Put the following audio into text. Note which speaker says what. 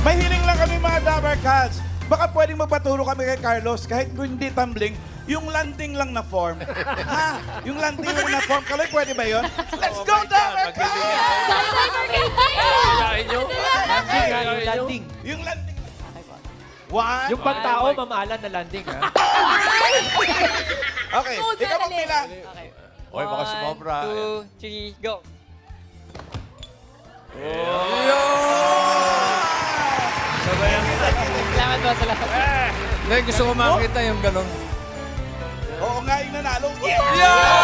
Speaker 1: Mahiling lang kami mga Dabber Cats. Baka pwedeng magpaturo kami kay Carlos kahit kung hindi tumbling, yung landing lang na form. Ha? Yung landing lang na form. Kaloy, pwede ba yun? Let's go, Dabber Cats!
Speaker 2: Kailangan nyo?
Speaker 3: Landing, landing.
Speaker 1: Yung landing. One.
Speaker 3: Yung pang tao, mamahalan na landing, ha?
Speaker 1: Okay, ikaw magpila.
Speaker 4: Okay.
Speaker 2: Oy, baka sumobra.
Speaker 4: 2, 3, go. Salamat po, salamat.
Speaker 2: Hindi, gusto ko makita yung ganun.
Speaker 1: Oo nga, yung nanalo. Yeah!